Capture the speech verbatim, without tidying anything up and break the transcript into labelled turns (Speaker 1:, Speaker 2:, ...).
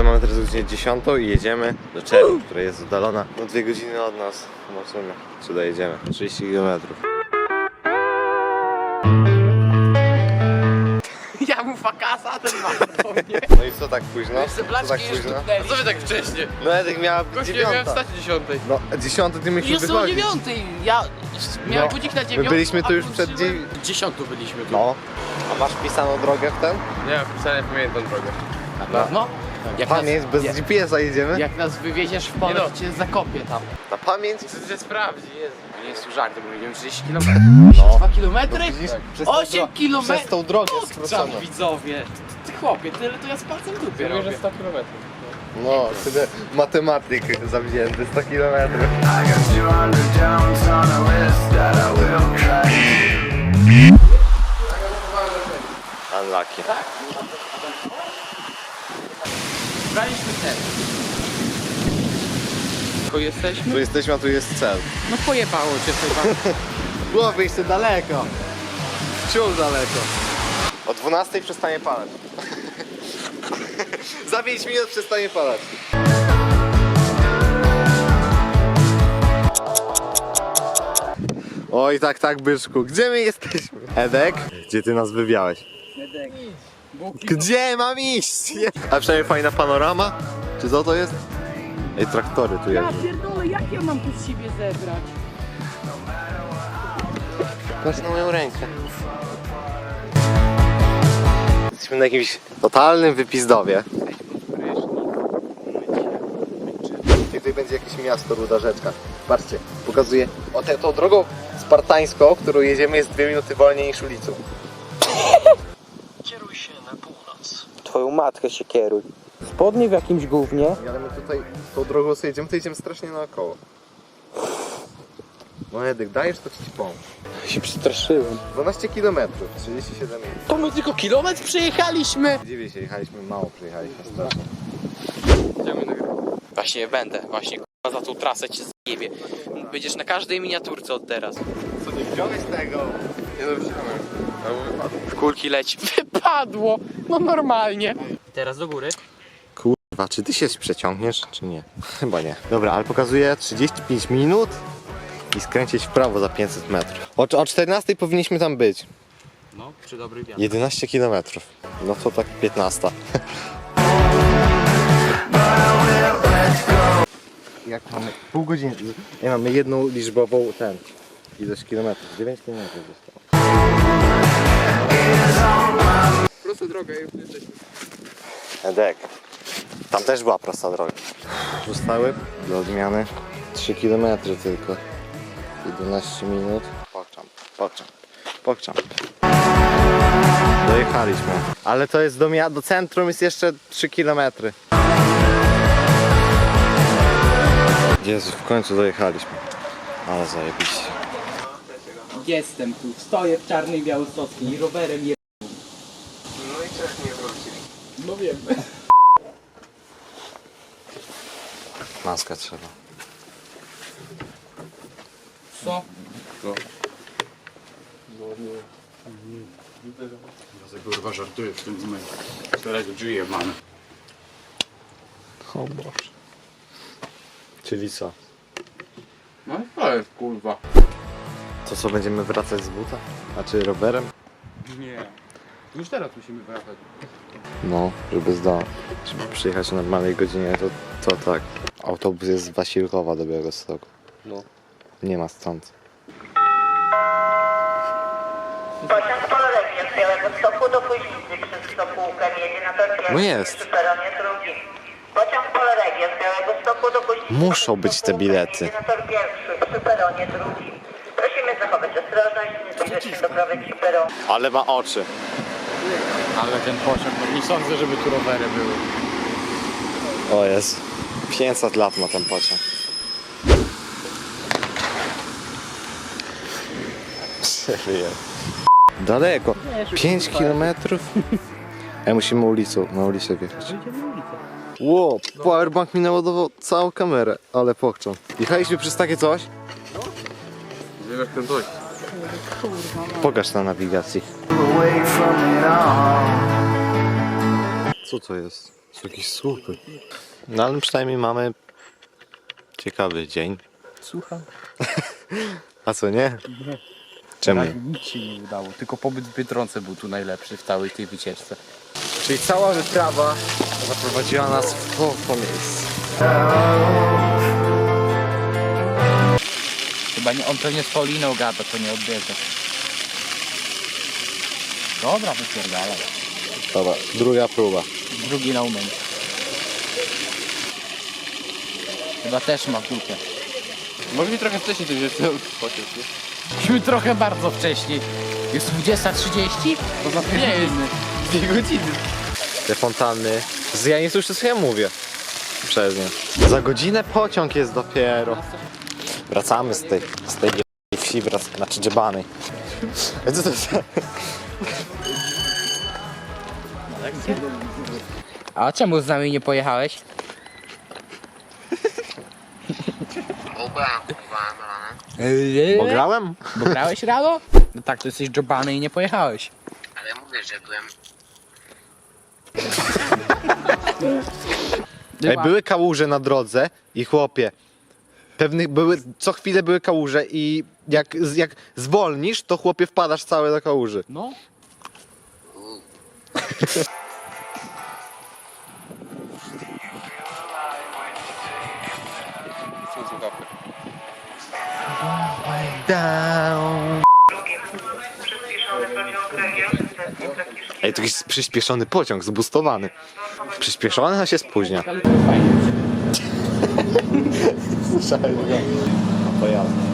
Speaker 1: mamy teraz godzinę dziesiątą i jedziemy do Czerni, która jest oddalona no dwie godziny od nas. Zobaczymy, czy dojedziemy. trzydzieści kilometrów.
Speaker 2: Ja mu fakasa, ten ma do mnie.
Speaker 1: No i co tak późno?
Speaker 2: Jeszcze
Speaker 1: Co
Speaker 2: blaczki
Speaker 1: tak
Speaker 2: jeszcze
Speaker 1: późno?
Speaker 2: tupnęli. Co wy tak wcześnie?
Speaker 1: No Edek miała
Speaker 2: Gościu, ja miałem
Speaker 1: dziewiąta.
Speaker 2: wstać o dziesiątej.
Speaker 1: No dziesiąty ty musisz
Speaker 2: Jest o
Speaker 1: wychodzić.
Speaker 2: dziewiątej. Ja miałem
Speaker 1: No,
Speaker 2: budzik na
Speaker 1: my
Speaker 2: dziewiątą.
Speaker 1: byliśmy tu
Speaker 2: a
Speaker 1: już przed
Speaker 2: wróciłem-
Speaker 1: dziewię-
Speaker 2: dziesiątą byliśmy tu.
Speaker 1: No. A masz wpisaną drogę w ten?
Speaker 2: Nie, ja wcale pamiętam drogę. Na pewno? Jak
Speaker 1: Pamięć,
Speaker 2: nas,
Speaker 1: bez
Speaker 2: jak,
Speaker 1: G P S a jedziemy?
Speaker 2: jak nas wywieziesz w pole, to cię zakopię tam.
Speaker 1: Na pamięć?
Speaker 2: Co ty sprawdzi, Jezu. Nie jest tu żart, bo jedziemy trzydzieści kilometrów. dwa kilometry?
Speaker 1: Przez tą
Speaker 2: osiem
Speaker 1: dro-
Speaker 2: kilometrów?
Speaker 1: Przez tą drogę
Speaker 2: Tam
Speaker 1: skróconą.
Speaker 2: widzowie. Ty chłopie, tyle to ja z palcem w dupie robię. sto kilometrów.
Speaker 1: No, tyle matematyk zawzięty, sto kilometrów.
Speaker 3: I got two hundred downs on a list that I will crash.
Speaker 1: Unlucky.
Speaker 2: Braliśmy ten. Tylko jesteśmy?
Speaker 1: Tu jesteśmy, a tu jest cel.
Speaker 2: No pojebało cię chyba.
Speaker 1: Głowy jeszcze daleko. Wciąż daleko. O dwunastej przestanie palać. Za pięć minut przestanie palać. Oj, tak, tak, byczku. Gdzie my jesteśmy? Edek? Gdzie ty nas wywiałeś?
Speaker 2: Edek.
Speaker 1: Gdzie mam iść? A przynajmniej fajna panorama? Czy co to jest? Ej, traktory tu
Speaker 4: Ja
Speaker 1: jeżdżą.
Speaker 4: pierdolę, jak ja mam tu z siebie zebrać?
Speaker 1: Patrz na moją rękę. Jesteśmy na jakimś totalnym wypizdowie. I tutaj będzie jakieś miasto, ruda rzeczka. Patrzcie, pokazuję. O, te, tą drogą spartańską, którą jedziemy, jest dwie minuty wolniej niż ulicą.
Speaker 3: Kieruj się na północ.
Speaker 2: Twoją matkę się kieruj. Spodnie w jakimś gównie.
Speaker 1: Ale my tutaj tą drogą sobie jedziemy, to jedziemy strasznie naokoło. No Edek, dajesz, to ci pomóc.
Speaker 2: Się przestraszyłem.
Speaker 1: dwanaście kilometrów, trzydzieści siedem minut.
Speaker 2: To my tylko kilometr przejechaliśmy.
Speaker 1: Dziwię się, jechaliśmy mało, przejechaliśmy strasznie.
Speaker 2: Właśnie będę, właśnie k***a, za tą trasę cię zjebie. Będziesz na każdej miniaturce od teraz.
Speaker 1: Co, nie wziąłeś tego? Nie no, wziąłem.
Speaker 2: W kulki leci. Wypadło! No normalnie. Teraz do góry.
Speaker 1: Kurwa, czy ty się przeciągniesz, czy nie? Chyba nie. Dobra, ale pokazuje trzydzieści pięć minut i skręcić w prawo za pięćset metrów. O, o czternastej powinniśmy tam być.
Speaker 2: No, przy dobrych wiatrach.
Speaker 1: jedenaście kilometrów. No to tak piętnaście. Jak mamy pół godziny, nie mamy jedną liczbową ten ilość kilometrów, dziewięć kilometrów zostało.
Speaker 2: Prosta droga, już jesteśmy.
Speaker 1: Edek, tam też była prosta droga. Zostały do odmiany trzy kilometry tylko. jedenaście minut. Pokczam, pokczam, pokczam. Dojechaliśmy. Ale to jest do, mia- do centrum jest jeszcze trzy kilometry. Jezu, w końcu dojechaliśmy. Ale zajebiście.
Speaker 2: Jestem tu, stoję w czarnej Białostockiej i rowerem je...
Speaker 1: No i też nie wrócili.
Speaker 2: No wiem.
Speaker 1: Maskę trzeba.
Speaker 2: Co?
Speaker 5: Kurwa żartuję w tym momencie. Którego żyje mamy.
Speaker 1: O Boże. Czyli co?
Speaker 2: No to jest kurwa.
Speaker 1: To co, będziemy wracać z buta? A czy rowerem?
Speaker 2: Nie. Już teraz musimy wracać.
Speaker 1: No, żeby zdać. Żeby przyjechać o normalnej godzinie, to, to tak. Autobus jest z Wasilkowa do Białegostoku.
Speaker 2: No.
Speaker 1: Nie ma stąd.
Speaker 6: Pociąg Pololegnie z Białegostoku do Kuźnicy przez Sopółkę jedzie na tor pierwszy
Speaker 1: No jest.
Speaker 6: przy peronie drugim. Pociąg Pololegnie z Białegostoku do Kuźnicy
Speaker 1: Muszą
Speaker 6: przez
Speaker 1: być te
Speaker 6: Sopółkę
Speaker 1: bilety.
Speaker 6: jedzie na tor pierwszy przy peronie drugim. Prosimy zachować ostrożność, nie zbliżać się do krawędzi peronu.
Speaker 1: Ale ma oczy.
Speaker 5: Ale ten pociąg, no nie sądzę, żeby tu rowery były.
Speaker 1: O jest. pięćset lat ma ten pociąg. Serio. Daleko. pięć kilometrów. Ej, musimy ulicą, na ulicę wjechać. Ło, powerbank mi naładował całą kamerę, ale pokczą. Jechaliśmy przez takie coś?
Speaker 2: Zjebać ten coś.
Speaker 1: Pokaż na nawigacji.
Speaker 3: Away from it all.
Speaker 1: Co to jest? Są jakieś słupy. No ale przynajmniej mamy ciekawy dzień.
Speaker 5: Słucham.
Speaker 1: A co nie? Czemu?
Speaker 5: Nic się nie udało, tylko pobyt w Biedronce był tu najlepszy w całej tej wycieczce.
Speaker 1: Czyli cała wyprawa zaprowadziła nas w po, po miejscu.
Speaker 5: Chyba nie, on pewnie z Pauliną gada, to nie odbierze. Dobra, wypierdalaj.
Speaker 1: Dobra, druga próba.
Speaker 5: Drugi na umęć. Chyba też ma w dupie.
Speaker 2: Mogli trochę wcześniej to wziąć ten pociąg, nie?
Speaker 5: Myśmy trochę bardzo wcześniej. Jest dwudziesta trzydzieści? To za
Speaker 2: Nie jest. Dwie godziny.
Speaker 1: Te fontanny. Z- Ja nie słyszę, co ja mówię. Przez nie. Za godzinę pociąg jest dopiero. Wracamy z tej, z tej wsi, wrac- znaczy dziebanej. Co to jest?
Speaker 5: A czemu z nami nie pojechałeś?
Speaker 1: Bo grałem?
Speaker 5: Bo grałeś rano? No tak, to jesteś dżobany i nie pojechałeś.
Speaker 7: Ale mówię, że byłem.
Speaker 1: Ej, były kałuże na drodze i chłopie, pewnych były, co chwilę były kałuże i jak, jak zwolnisz, to chłopie wpadasz cały do kałuży.
Speaker 5: No.
Speaker 2: Są słuchawki.
Speaker 6: Przyspieszony pociąg regionalny z Trakiszki.
Speaker 1: Ej, to jakiś przyspieszony pociąg, zbustowany. Przyspieszony, a się spóźnia. Słyszałem go. A pojazd.